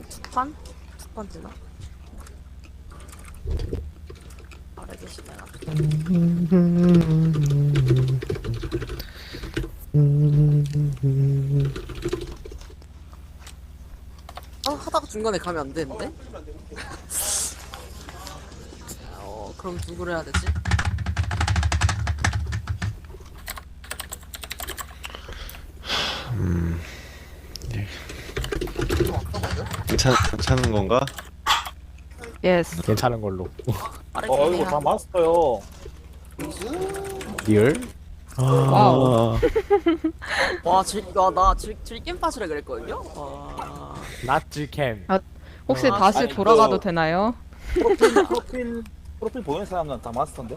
두 판? 두 판 되나? 아래 계시네. 하다가 중간에 가면 안 되는데? 그럼 누구를 해야 되지? 괜찮은 건가? 예스. 괜찮은 걸로. 빠르게 이거 해야 다 마스터요. 리얼? 와우. 나 즐김 빠지라 그랬거든요? 와. 낫지캠. 혹시 아, 다시 아니, 돌아가도 그- 되나요? 프로필 보이는 사람은 다 마스터인데? 안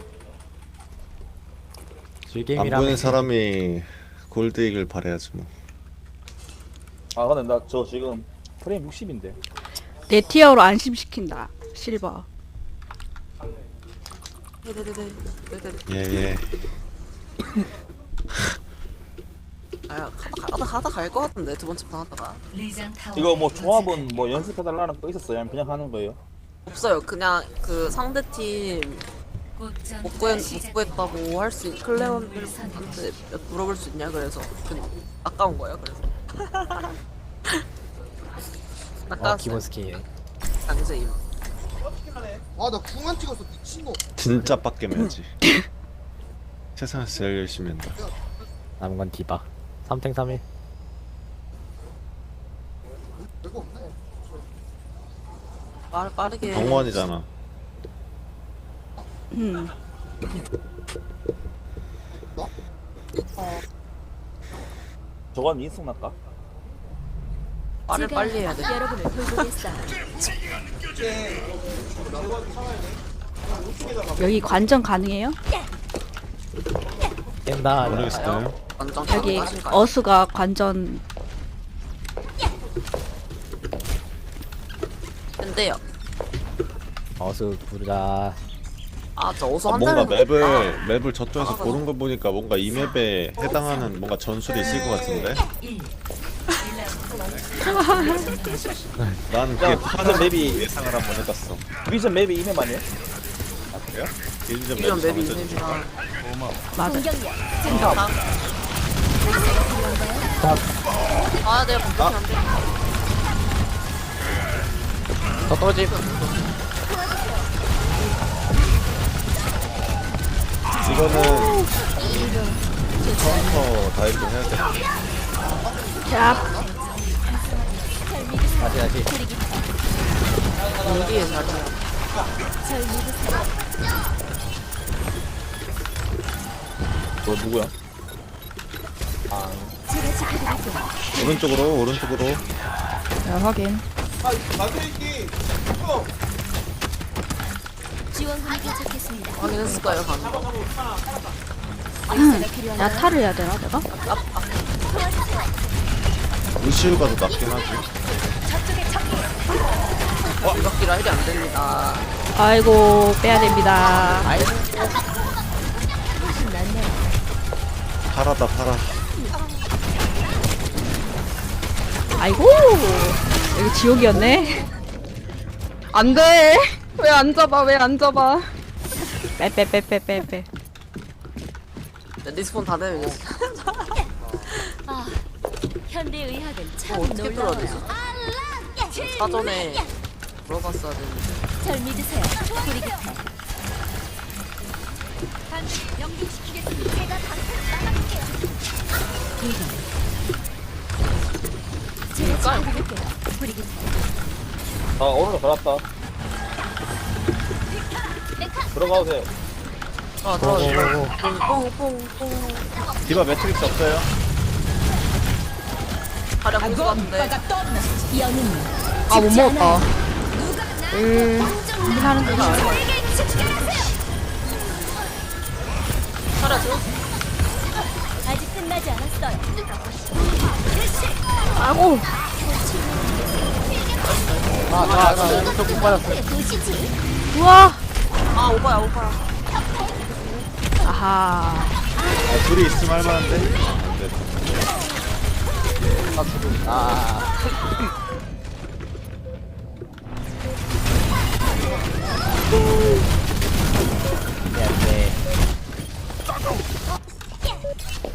즐겜이라면 보이는 사람이 골드이글 바래야지 뭐. 아 근데 나 저 지금 프레임 60인데. 내 티어로 안심시킨다. 실버. 네네네네. 예예. 하다 갈 것 같은데, 두 번째 판 하다가. 이거 뭐 조합은 뭐 연습해달라는 거 있었어요? 아니면 그냥 하는 거예요? 없어요. 그냥 그 상대팀 못 구했다고 할 수, 클레온한테 물어볼 수 있냐, 그래서. 아까운 거예요, 그래서. 아까웠어요. 기본 스킨. 강제임. 아 나 궁안 찍었어 미친놈. 진짜 빡겜해야지. 세상에서 제일 열심히 한다. 남은 건 디바. 3탱 3일. 별거 없네. 빠르게. 정원이잖아. 저거 하면 인승 날까? 빨리 해야 돼. 여러분을 돌보겠어요. 여기 관전 가능해요? 깬다. 모르겠어요. 완전 여기 가능하신가요? 어수가 관전. 근데요. 어수 부르자. 저 어서 뭔가 한다는 맵을 저쪽에서 고른 거 보니까 뭔가 이 맵에 해당하는 뭔가 전술이 있을 것 같은데. 난 그게 디비전 맵이 예상을 한번 해봤어. 디비전 맵이 이맵 아니에요? 아 그래요? 일전 이런 맵이 맵이 있는지라. 맞아. 내가 공격이 안 돼. 더 떨어짐. 이거는 카운터 다이브 해야 돼. 자, 다시. 여기에 자리야. 너 누구야? 오른쪽으로. 자 확인. 지원군이 도착했습니다. 확인했을까요, 방금? 야타를 해야 되나 내가? 루시우가 더 낫긴 하지. 이박기라 힐이 안 됩니다. 아이고 빼야 됩니다. 파라다 파라. 아이고 여기 지옥이었네. 안돼. 왜 안 잡아? 왜 안 잡아? 빼. 리스폰 다 되면 이제 현대 의학은 참 어떻게 풀어야 되지? 놀라워요. 사전에 물어봤어야 되는데. 절 믿으세요. 우리 곁에. 연기시키겠습니다. 제가 방패를 나가볼게요. 제가 지켜드릴게요. 우리 곁에. 오늘 걸었다. 들어가도 돼. 들어가요. 뽕. 디바 매트릭스 없어요? 가려 공수 같은데. 영웅. 아 못 먹었다. 하는 거 가려 줘. 아직 끝나지 않았어요. 아고. 못 받았어. 보시지. 우와. 오빠야. 아하. 둘이 있으면 할만한데? 안 돼.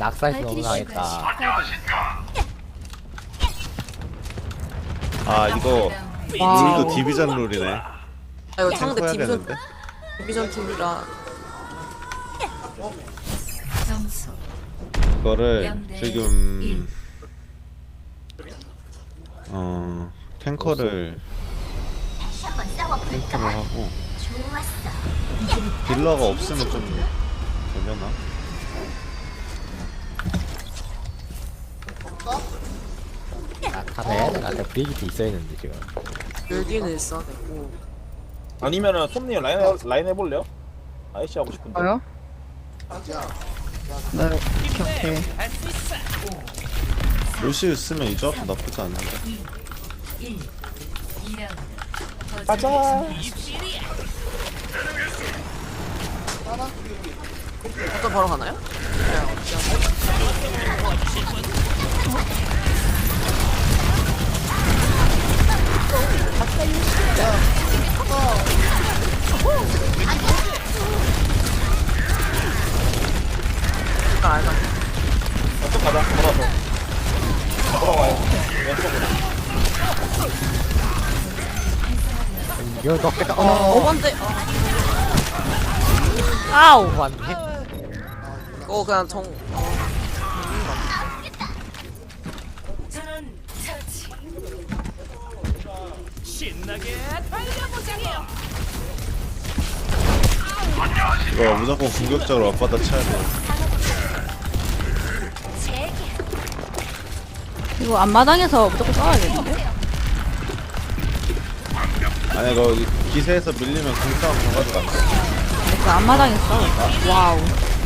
낙사해서 너무 발키리 당했다. 아 이거 룰도 디비전 룰이네. 아 이거 상대 해야겠는데? 디비전 팀이라 이거를 지금 탱커를 하고 딜러가 없으면 좀 되려나? 아, 탑에 나한테 브리기트 있어야 했는데 지금. 여기는 있어야 되고 아니면은 손님 라인 해볼래요? 아이씨 하고 싶은데. 저요? 네, 오케이. 루시우 쓰면 이 조합도 나쁘지 않는데. 가자. 어떤 바로 가나요? 알가. 왼쪽 가자. 돌아서. 돌아와요. 왼쪽으로. 이거 넣겠다. 번째 아우. 맞네. 그냥 정 이거 무조건 공격적으로 앞바다 쳐야 돼. 이거 앞마당에서 무조건 싸워야겠는데? 아니 이거 기세에서 밀리면 공싸움 가가지고 안 돼. 그 앞마당에서 싸워. 와우.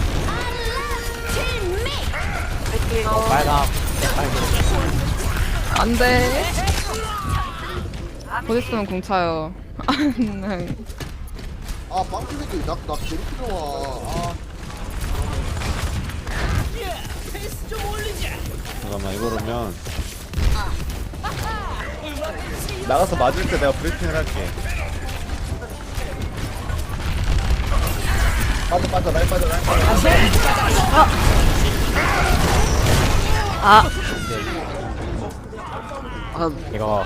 빨강. 안 돼. 곧 있으면 공 차요. 아 빵꾸새끼 나 괴롭히러 와. 잠깐만 이거라면 나가서 맞을 때 내가 브리핑을 할게. 빠져. 라인 빠져. 아, 이거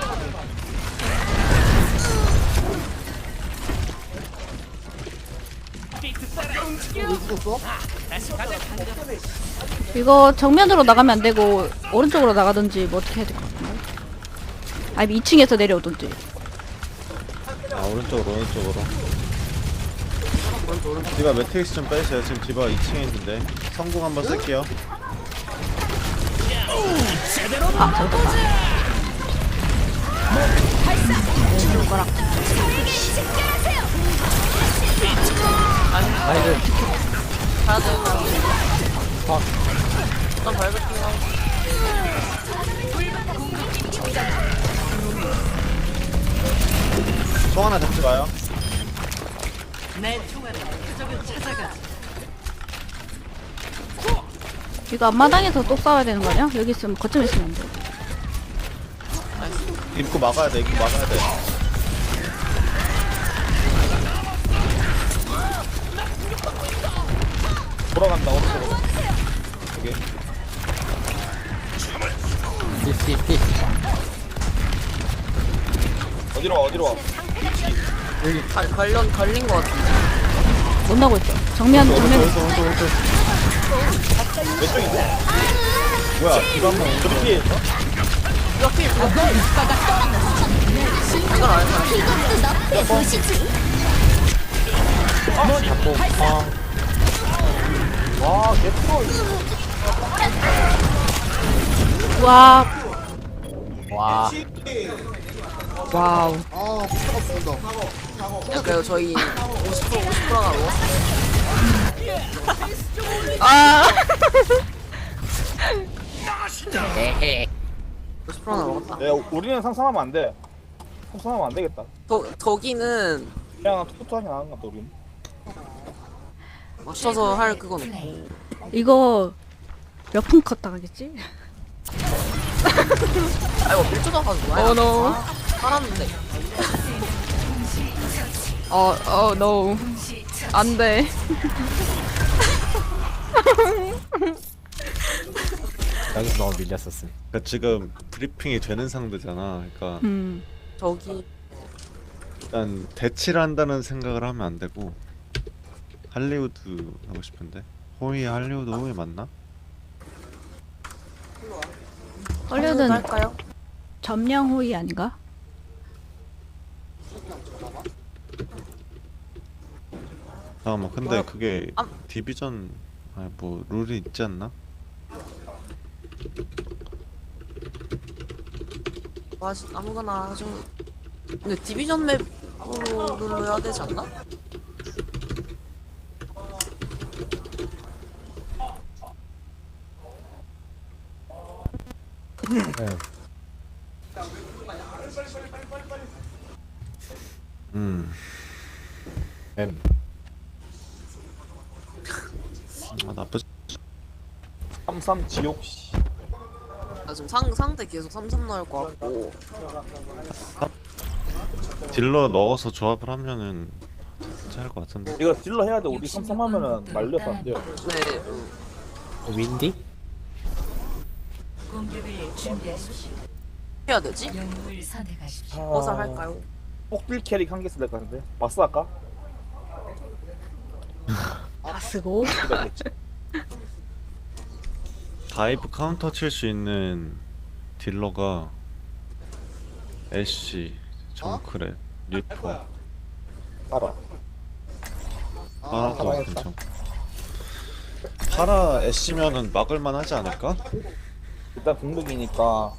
이거 정면으로 나가면 안 되고 오른쪽으로 나가든지 뭐 어떻게 해야 될 것 같은데? 아니 2층에서 내려오든지. 아 오른쪽으로. 디바 매트릭스 좀 빼세요. 지금 디바 2층에 있는데 성공 한번 쓸게요. 아, 잠깐만. 아이들 가야 돼. 일단 발베팅하고 총 하나 잡지 마요. 이거 앞마당에서 또 싸워야 되는 거 아니야? 여기 있으면 거점에 있으면 안 돼. 입구 막아야 돼. 돌아간다. 오른쪽으로. 오케이. 띠띠띠. 어디로 와. 걸린 거 같은데. 못 나고 있어. 정면. 오른쪽. 왼쪽인데? 뭐야? 디바 한번 오른쪽. 뒤에 이걸 알고 잡고 와, 개프로. 와, 와. 와우. 아 부탁 없습니다. 그래요. 저희 50%가 먹었어요. 아. 50%나 먹었다. 야, 우리는 상상하면 안 돼. 상상하면 안 되겠다. 덕이는 그냥 투투하게 나가는 것 같다, 우린. 맞춰서 할 그건 없고. 이거 몇 분 컷 당하겠지? 아 이거 밀초당 가지고 와요. 노. 살았는데. 노. 안 돼. 여기서 너무 밀렸었음. 그러니까 지금 브리핑이 되는 상대잖아. 그러니까 저기 일단 대치를 한다는 생각을 하면 안 되고 할리우드 하고 싶은데 호이 할리우드 호이 맞나? 헐리우드는 할까요? 점령 호위 아닌가? 잠깐만 근데 그게 아. 디비전 아니 뭐 룰이 있지 않나? 아무거나 좀. 근데 디비전 맵으로 눌러야 되지 않나? 네. 아 나쁘지. 33 지옥 씨. 나 지금 상대 계속 3-3 나올 것 같고. 딜러 넣어서 조합을 하면은 괜찮을 것 같은데. 이거 딜러 해야 돼. 우리 33 하면은 말려서 안 돼요. 네. 윈디? 해야 되지? 뭐살 할까요? 폭딜 캐릭 한 개 쓸 것 같은데. 바스 할까? 다 쓰고. 다이브 카운터 칠 수 있는 딜러가 애쉬, 정크렛, 리퍼, 알아. 파라도 괜찮고. 파라 애쉬면은 막을만 하지 않을까? 일단 공격이니까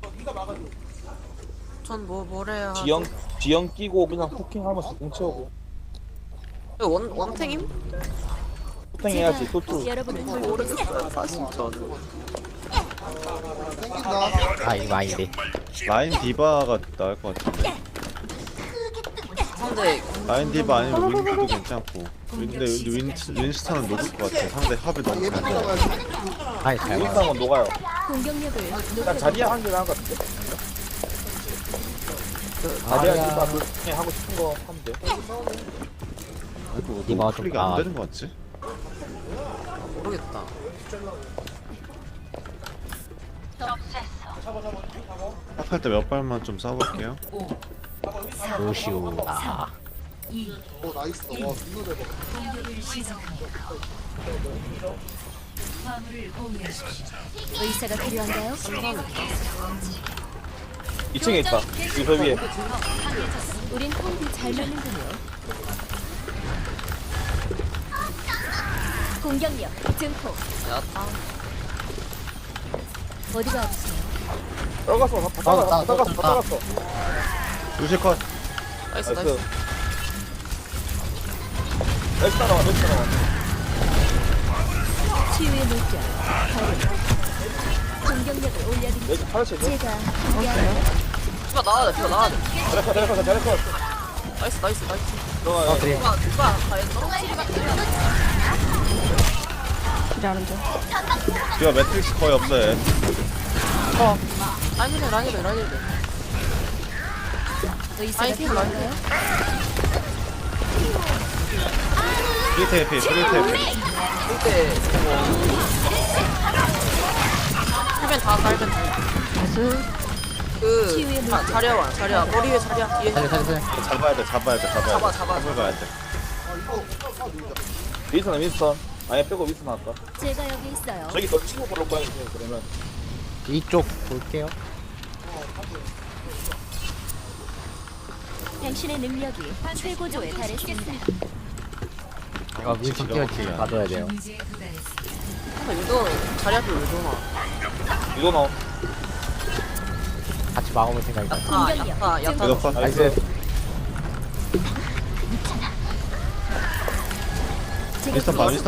전 뭐래야. 지형 끼고 그냥 포킹하면서 공 채우고. 원탱임? 포킹 해야지. 토투. 여러분을 모르겠어요 사실 저는. 생긴다. 아 이거 아닌데. 라인 디바가 나을 것 같은데. 상대 라인 디바 아니면 윈디도 괜찮고. 근데 윈스턴은 녹을 것 같아. 상대 합이 너무 얘 잘 돼. 먹어야지. 아니 잘 봐. 일상은 녹아요. 공격력을 나 자리야 한 개나 한것 같은데. 자리야 디바 그중에 하고 싶은 거 하면 돼. 이거 디바가 너무 좀 클릭이 안 나아. 되는 것 같지? 모르겠다. 할 때 몇 발만 좀 쏴볼게요. 루시우. 아 나이스. 와, 눈을 해봐. 의사가 필요한가요? 2층에 있다. 이거 위에. 우린 호흡이 잘 맞는군요. 공격력 증폭. 야타. 어디가 아프세요? 떨갔어. 다 떨갔어. 루시 컷. 나이스 나이스. 나이스. 렉스 따라와. 치유의 물결. 공격력을 올려드리죠. 렉스 파르치. 제가 함께하는 피가 나와야 돼. 피가 나와야 돼. 잘했어. 나이스. 들어가요. 어 그래. 누가 다 했어? 기다리는 중. 디바 매트릭스 거의 없어요. 라인이래. 의사가 아이, 필요한가요? 프리테이피. 이때 하면 다 갈면 돼. 나이스. 자리야 머리 위에 자리야 뒤에. 살려. 잡아야 돼. 잡아. 잡을 가야 돼. 윈스턴. 아예 빼고 윈스턴 할까? 제가 여기 있어요. 저기 너 친구 보러 가야 돼. 그러면 이쪽 볼게요. 당신의 능력이 최고조에 달했습니다. 이거 윈선 뛰어지 봐줘야 돼요. 근데 이거 자리 앞에 왜 도나? 이거 넣어. 같이 막아볼 생각이다. 야타. 이거 컷. 나이스. 윈스턴 봐.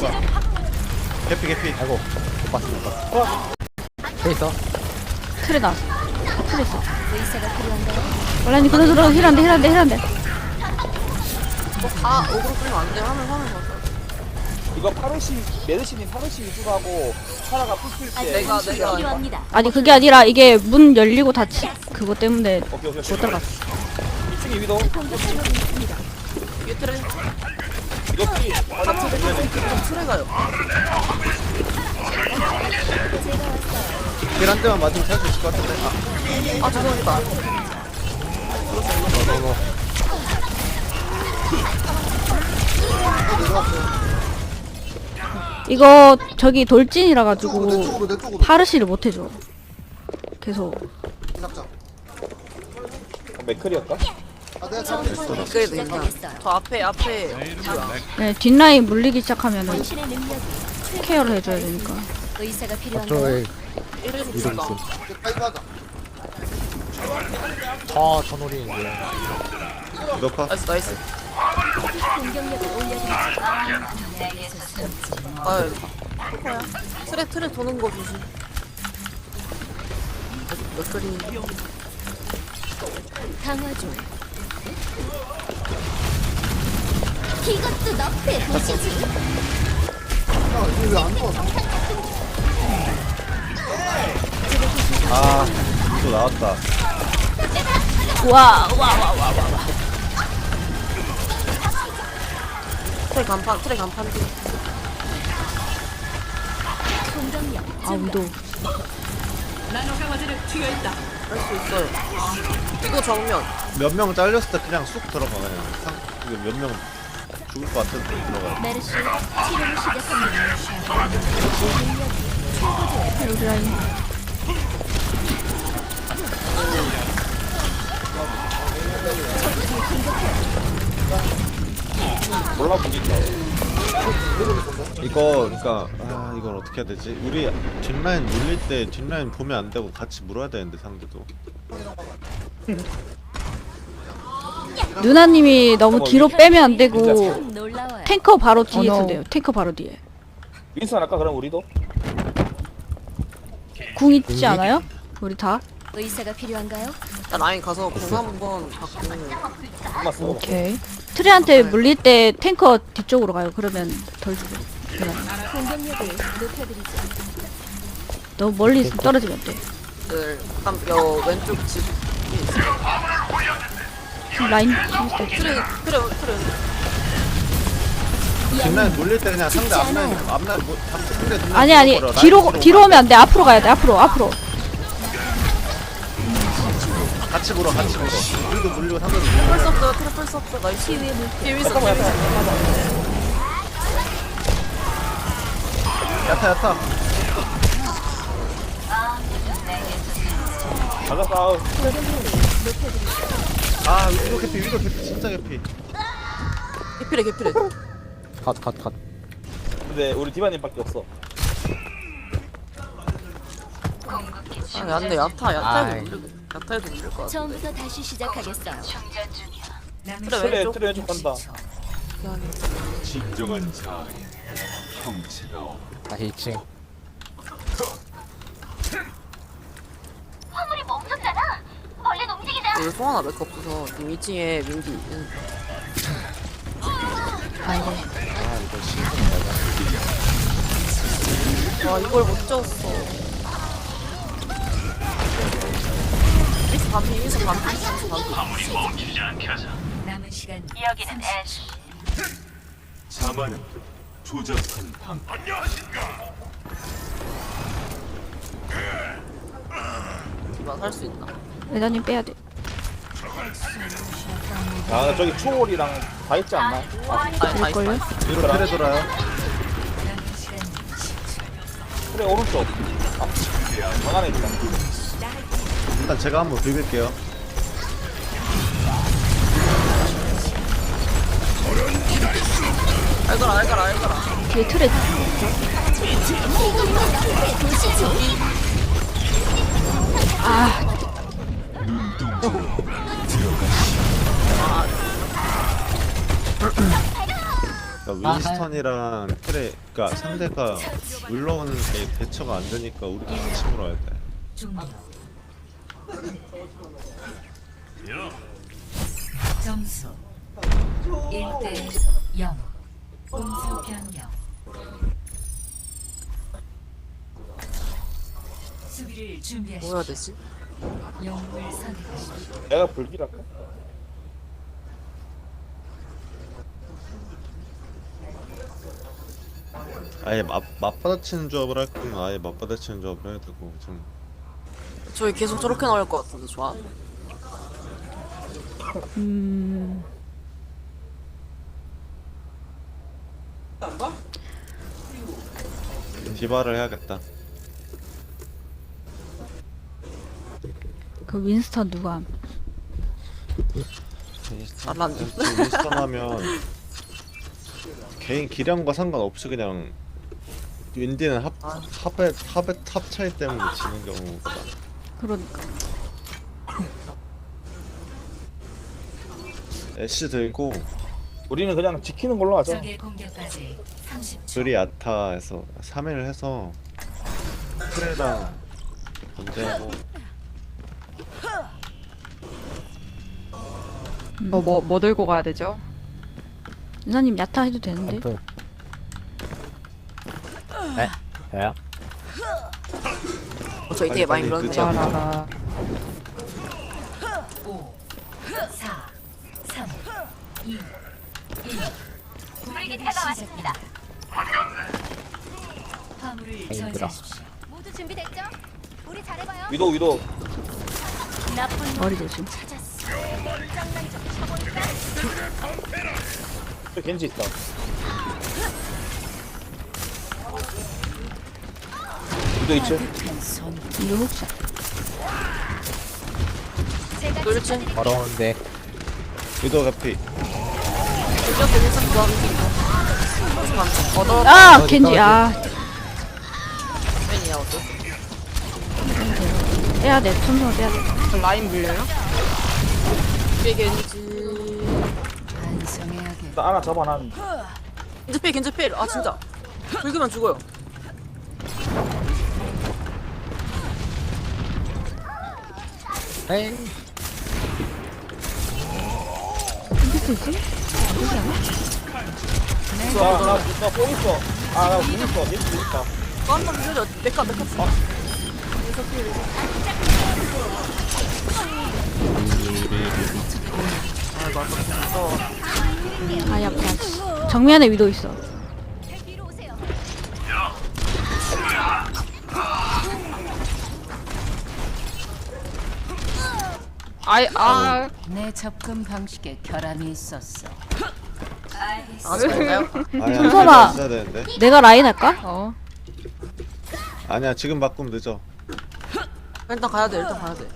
개피. 아이고 못 봤어. 돼 있어. 틀에 나왔어. 틀에 있어. 의사가 필요한가요? 원래는 그대로 들어. 힐한데. 다 오그로 끌면 안 돼. 화면 봤어. 이거 메르시님 파르시 위주로 하고 파라가 풀필 때. 내가 필요합니다. 아니 그게 아니라 이게 문 열리고 닫히 그것 때문에 오케이. 못 들어갔어. 2층에 위도. 공격하고 있습니다. 위에 트레. 이거 피. 트레 가요. 한 대만 맞으면 살 수 있을 것 같은데. 아 죄송합니다. 이거 저기 돌진이라 가지고 내 쪽으로 파르시를 못 해줘. 계속. 낙장. 맥클이었다? 아 내가 잡았어. 그래도 괜찮아. 저 앞에 네, 뒷라인 물리기 시작하면은 당신의 능력이 케어를 해줘야 되니까. 의사가 필요한가요? 저기 이래서 이동 죽다. 있음. 파이브하자. 천오리인데. 몇 화? 나이스. 공격력을 올려드리죠. 아유, 코코야. 틀에 도는 거 조심. 몇 그리. 강화조. 이것도 너프에 보시지. 야 이게 왜안 나와? 아, 또 나왔다. 와. 트레 간판 뒤. 공격력. 아, 위도. 할 수 있어요. 이거 정면. 몇 명 잘렸을 때 그냥 쑥 들어가 그냥. 이거 몇 명 죽을 것 같은 데 들어가. 메르시 치료를 시작합니다. 여기 라인. 몰라 보니까. 이거 그러니까 이걸 어떻게 해야 되지? 우리 뒷라인 물릴 때 뒷라인 보면 안 되고 같이 물어야 되는데 상대도. 누나님이 너무 뒤로 빼면 안 되고 참 놀라워요. 탱커 바로 뒤에 no. 있어요. 탱커 바로 뒤에. 윈선 할까 그럼 우리도? 궁 있지 않아요? 우리 다? 의사가 필요한가요? 나 라인 가서 공 한번 받고. 한번 쓰고. 오케이. 트레한테 물릴 때 탱커 뒤쪽으로 가요. 그러면 덜 죽어. 그냥. 공격력을 높여드리죠. 너무 멀리 있으면 떨어지면 안 돼. 요 왼쪽 집. 지금 라인 트레. 뒷라인 물릴 때 그냥 상대 앞라인 뭐 상대 뒷라인 아니 물어버려. 라인 뒤로 오면 안 돼. 앞으로 가야 돼. 앞으로. 같이 물어. 우리도 물리고 상대도 물리고. 펄스 없어요. 트레 펄스 없어. 나이스. 치유의 물결. 뒤에 있어. 야타. 맞았다. 아 위도 개피 진짜 개피. 개피래. 컷. 근데 우리 디바님밖에 없어. 아, 안돼. 야타에도 아이. 물릴 것 같아. 처음부터 다시 시작하겠어요. 트레 왼쪽. 트레 왼쪽 간다. 다시 2층. 여기 송하나 맥 없어서 지금 2층에 민기. 아이고. 와 이걸 못 쳤어. 미스 반피. 남은 시간 자만은 조잡한 방. 디바 살 수 있나? 레다님 빼야 돼. 아 저기 초월이랑 다 있지 않나? 아니 다 될걸요? 있어. 위로 트레 돌아요. 트레 오른쪽. 방 안에 있다. 일단 제가 한번 비빌게요. 알거라. 뒤에 트레. 아, 그러니까 윈스턴이랑 트레, 그러니까 상대가 물러오는 게 대처가 안 되니까 우리도 같이 물어야 돼. 점수 1대 0 공수 변경 수비를 준비하십시오. 뭐 해야 되지? 영웅을 선택하십시오. 내가 불길할까? 아예 맞받아치는 조합을 할 거면 아예 맞받아치는 조합을 해야 되고 좀 저희 계속 저렇게 나올 것 같은데 좋아. 디바를 해야겠다. 그 윈스턴 누가 함? 잘안 윈스턴 하면 개인 기량과 상관없이 그냥 윈디는 합 차이 때문에 지는 경우가 많아. 그러니까. 애쉬 들고 우리는 그냥 지키는 걸로 하자. 적의 공격까지 30초. 둘이 야타에서 3일 해서 프레랑 견제하고 뭐 들고 가야 되죠? 윤사님 야타 해도 되는데. 앰플. 네? 왜요? 저희 되게 많이 빨리 그러네요. 라라라. 5, 4, 3, 2, 1. 공격이 시작합니다. 화물을 힘들어. 저지하십시오. 모두 준비됐죠? 우리 잘해봐요. 위도 나쁜 머리 조심. 찾았어. 짱난 좀 쳐볼까? 저 겐지 있다. 위도 있지? 이거 혹시 제가 그렇지. 지켜드릴게요. 걸어오는데 위도 가피 이렇게 일상 좋아하는 얻어 아 겐지 아 맨이야 어때? 빼야 돼. 손손 빼야 돼. 라인 물려요? 뒤에 겐지. 반성해야겠다. 나 하나 잡아놨. 겐지필 겐지필. 아 진짜. 긁으면 죽어요. 에이 나뽕 있어. 나공 있어. 겐지 있다. 한번 밀려. 메카. 아 약간 정면에 위도 있어. 뒤로 오세요. 내 접근 방식에 결함이 있었어. 아 저인가요? 아니야 손선아. 있어야 되는데 내가 라인 할까? 어. 아니야 지금 바꾸면 늦어. 일단 가야 돼. 일단 가야 돼.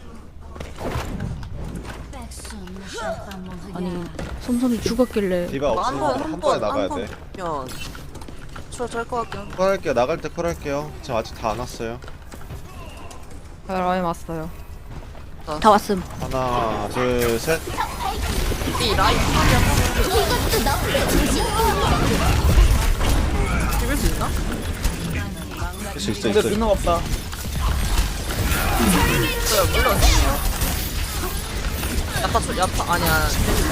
아니 솜솜이 죽었길래. 디바 없으면 한 번에 나가야 돼. 면 짤것 같긴 한데. 콜할게요. 나갈 때 콜할게요. 지금 아직 다 안 왔어요. 라인 왔어요. 다 왔음. 하나 둘 셋. 이 라인 비빌 수 있나? 할수 있어 근데 있어. 빛나 없다. 있어요. 물론. 야타 아니야.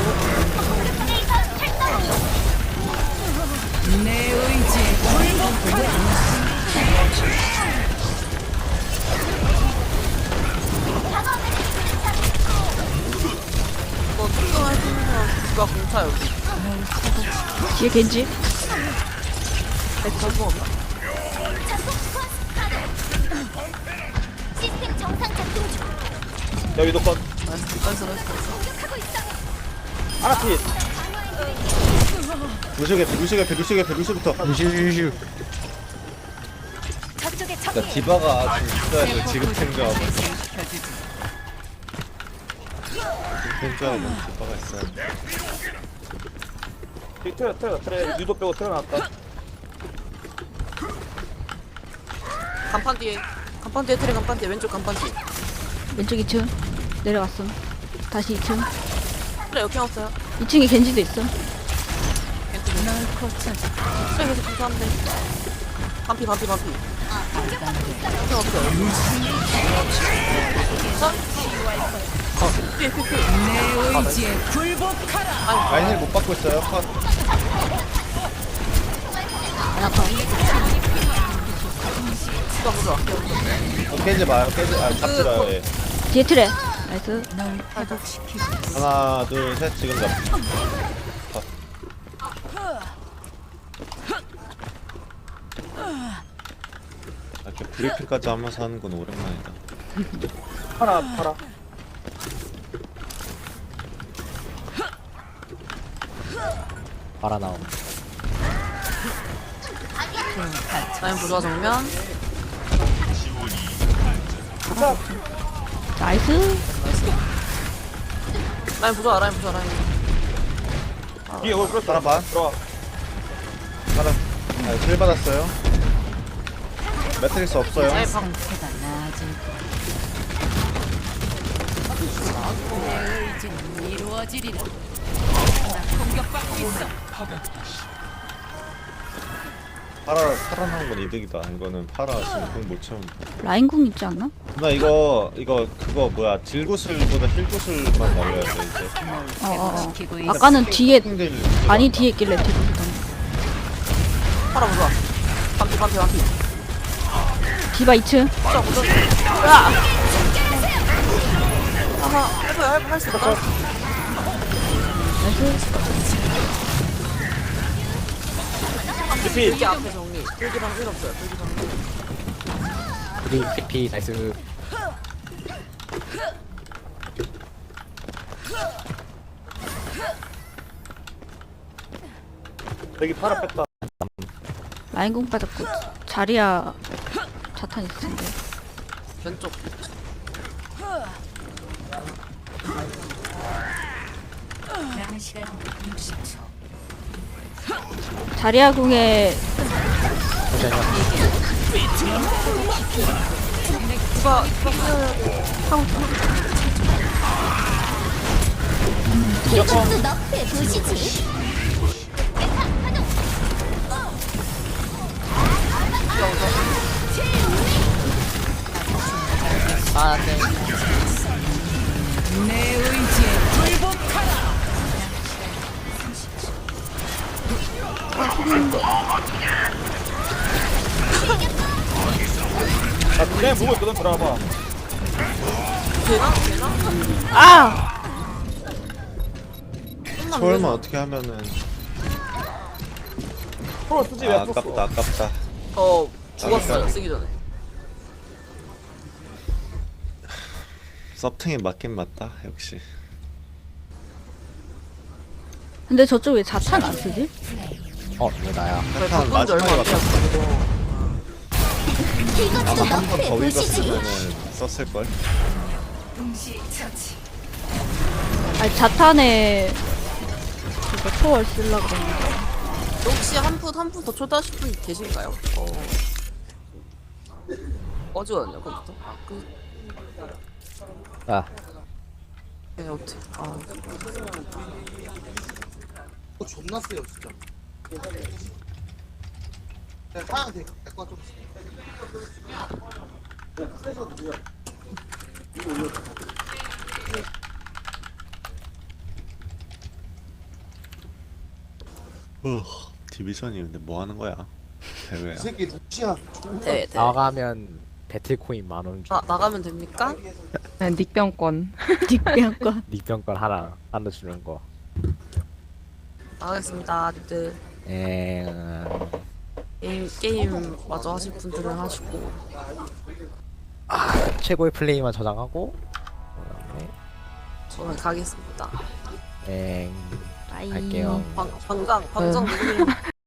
이거 특정할 수 있는 사람 누가 공차 여기. 뒤에 겐지. 전부 없나? 시스템 정상 작동 중. 야 위도 컷. 나이스. 하나 피. 루시부터. 유슈 저쪽에 적. 그러니까 디바가 좀 있어야 돼. 지금 생각. 생각하면 디바가 있어야 돼. 트레 위도 빼고 트레 나왔다. 간판 뒤에 트레 간판 뒤에 왼쪽 간판 뒤. 왼쪽 2층 내려갔음. 다시 2층. 트레 여기 왔어요. 2층에 겐지도 있음. 트레 계속 공차한데. 반피. 트레 없어요. 자. 뒤에. 라인을 못 받고 있어요. 컷. 깨지 마요. 잡지 마요. 예. 뒤에 트레. 나이스. 하나 둘 셋 지금 잡. 이렇게 브리핑까지 하면서 하는 건 오랜만이다. 팔아. 빨아 나옴. 라인 부조화 정면. 나이스. 라인 부조화 라인. 뒤에 그걸 끌었어. 따라봐. 들어와. 하나. 힐 받았어요. 매트릭스 없어요. 라인 상태가 나아질 거야. 내 의지는 이루어지리라. 나 공격받고 있어. 파라 나온 건 이득이다. 이거는 파라 지금 공못 채운다. 라인 궁 있지 않나? 나 그거 뭐야 딜구슬보다 힐구슬만 날려야 돼 이제. 회복시키고 있어. 아까는 뒤에 힐 많이 뒤에 있길래 뒤로 팔아 부조화. 반피. 디바 2층. 부조화 부조화. 으아! 아하 해봐요 할수 있다. 리필. 여기 앞에 정리. 불기방 필요 없어요. 불기방. TP 나이스. 여기 팔아 뺐다. 라인 궁 빠졌고 자리야 자탄 있을 텐데. 왼쪽. 남은 시간 60초. 자리야 궁에 이쪽도 너프해 보시지. 아 안돼. 내 의지에 굴복하라. 나 그냥 보고 있거든. 들어와봐. 되나? 아 초월만 어떻게 하면은 프로 쓰지 왜 풀었어? 아깝다. 죽었어요 쓰기 전에. 서팅이 맞긴 맞다 역시. 근데 저쪽 왜 자탄 안 쓰지? 이거 나야. 패턴 바꾼 지 얼마 안 마지막에 돼서 아마 이것도 한 번 너프해 더 보시지. 위졌으면은 썼을걸? 아니 자탄에 그거 초월 쓰려고 그랬는데. 혹시 한 푼 더 초대하실 분 계실까요? 어지거든요 컴퓨터. 아 네 어떻게? 존나 세요 진짜. 하얀 데거 좀. 디비전이 근데 뭐 하는 거야? 대회야. 이 새끼 루시아. 네. 나가면 배틀코인 10,000원 줘. 나가면 됩니까? 네, 닉병권. 닉병권. 닉병권 하나 주는 거. 나가겠습니다. 게임 마저 하실 분들은 하시고. 최고의 플레이만 저장하고. 저는 가겠습니다. 빠이. 갈게요. 방장 누구님?